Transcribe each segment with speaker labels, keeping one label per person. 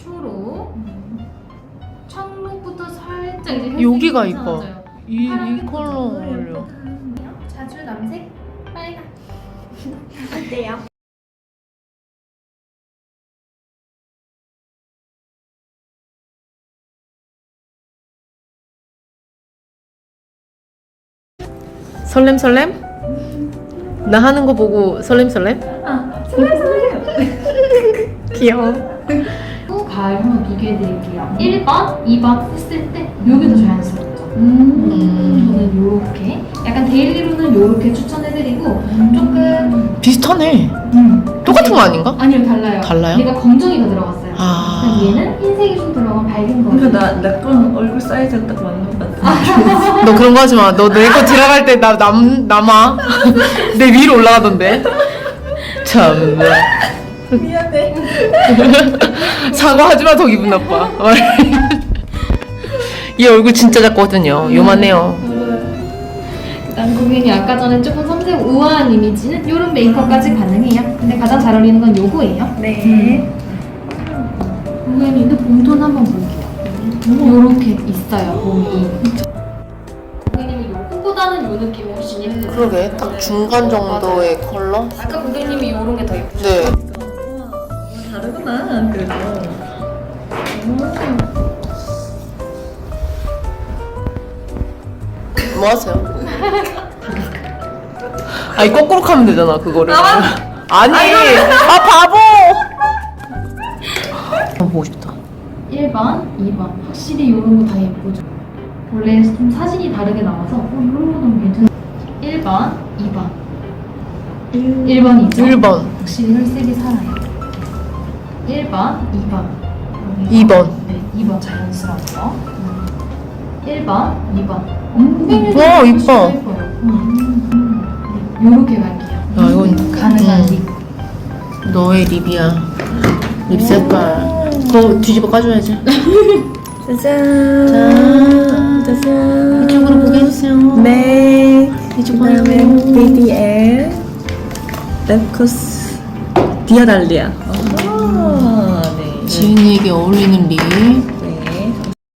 Speaker 1: 초록. 청록부터 살짝 이제
Speaker 2: 여기가
Speaker 1: 햇색이
Speaker 2: 이뻐.
Speaker 1: 괜찮아져요.
Speaker 2: 이
Speaker 1: 파란색도
Speaker 2: 컬러
Speaker 1: 좋고.
Speaker 2: 어울려.
Speaker 1: 자주 남색, 빨강.
Speaker 3: 어때요?
Speaker 2: 설렘설렘? 나 하는 거 보고 설렘설렘? 귀여워.
Speaker 1: 가을 한번 비교해드릴게요. 1번, 2번 했을 때 여기 더 자연스럽죠. 저는 요렇게 약간 데일리로는 요렇게 추천해드리고 조금
Speaker 2: 비슷하네. 똑같은 거 아닌가?
Speaker 1: 아니요, 달라요.
Speaker 2: 달라요?
Speaker 1: 얘가 검정이가 들어갔어요.
Speaker 2: 아.
Speaker 1: 얘는 흰색이 좀 들어간 밝은 거.
Speaker 3: 그러니까 나건 얼굴 사이즈가 딱 맞는 것 같아.
Speaker 2: 너 그런 거 하지 마. 너 내 거 들어갈 때 남아. 내 위로 올라가던데. 참나.
Speaker 3: 미안해.
Speaker 2: 사과하지 마. 더 기분 나빠. 얘 얼굴 진짜 작거든요. 요만해요.
Speaker 1: 그다음 고객님 아까 전에 조금 섬세고 우아한 이미지는 이런 메이크업까지 가능해요. 근데 가장 잘 어울리는 건 요거예요.
Speaker 3: 네.
Speaker 1: 고객님도 봄톤 한번 볼게요. 요렇게 있어요, 봄이. 고객님이 요거보다는 요 느낌이 훨씬 예쁘죠.
Speaker 2: 그러게. 딱 중간 정도의 컬러?
Speaker 1: 아까 고객님이 요런 게 더 예쁘죠.
Speaker 2: 네.
Speaker 3: 다르구나. 그래도.
Speaker 2: 뭐 하세요? 아니 거꾸로 하면 되잖아 그거를. 아니. 아 바보. 보고 싶다.
Speaker 1: 1번, 2번. 확실히 요런 거 다 예쁘죠. 원래 좀 사진이 다르게 나와서 요런 거 너무 괜찮아요. 1번, 2번. 1번이죠.
Speaker 2: 1번.
Speaker 1: 확실히 혈색이 살아요. 1번, 2번.
Speaker 2: 2번.
Speaker 1: 네, 2번 자연스러운 거. 1번, 2번.
Speaker 2: 와, 이뻐.
Speaker 1: 요렇게 갈게요.
Speaker 2: 아 이건
Speaker 1: 가능한 립.
Speaker 2: 너의 립이야. 립 색깔. 그거 뒤집어 까줘야지.
Speaker 3: 짜잔. 짜잔.
Speaker 2: 이쪽으로 보게 해주세요.
Speaker 3: 네.
Speaker 2: 이쪽으로
Speaker 3: 그다음에 BDL 랩코스 디아달리아. 아, 네.
Speaker 2: 지은이에게 어울리는 립.
Speaker 3: 네.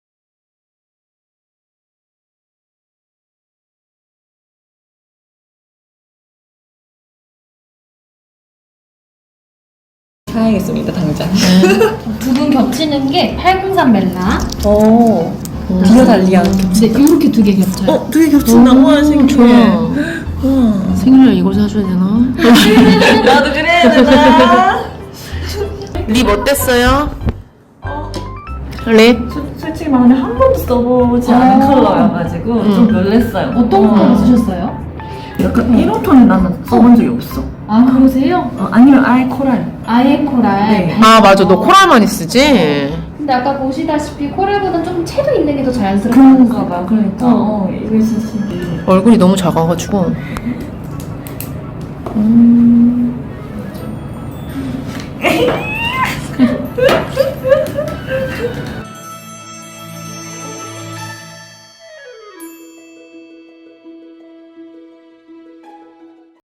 Speaker 3: 사야겠습니다, 당장.
Speaker 1: 두 분 겹치는 게 803 멜라.
Speaker 3: 오. 디아달리아.
Speaker 1: 네, 요렇게 두 개 겹쳐요.
Speaker 3: 두 개 겹친다. 우와, 신기해.
Speaker 2: 좋아.
Speaker 3: 우와.
Speaker 2: 생일날 이걸 사줘야 되나?
Speaker 3: 나도 그래야 되나?
Speaker 2: 립 어땠어요? 립?
Speaker 3: 솔직히 말하면 한 번도 써보지 않은 컬러여가지고 좀 놀랬어요.
Speaker 1: 어떤 컬러 쓰셨어요?
Speaker 3: 약간 1호톤 나는 써본 적이 없어.
Speaker 1: 아, 그러세요?
Speaker 3: 아니면 아예 코랄.
Speaker 1: 아예 코랄.
Speaker 3: 네.
Speaker 2: 아 맞아 너 코랄 많이 쓰지?
Speaker 1: 근데 아까 보시다시피 코랄보다 좀 채도 있는 게 더 자연스러워.
Speaker 3: 그런가 봐. 그러니까 이거 진짜 신기해.
Speaker 2: 얼굴이 너무 작아가지고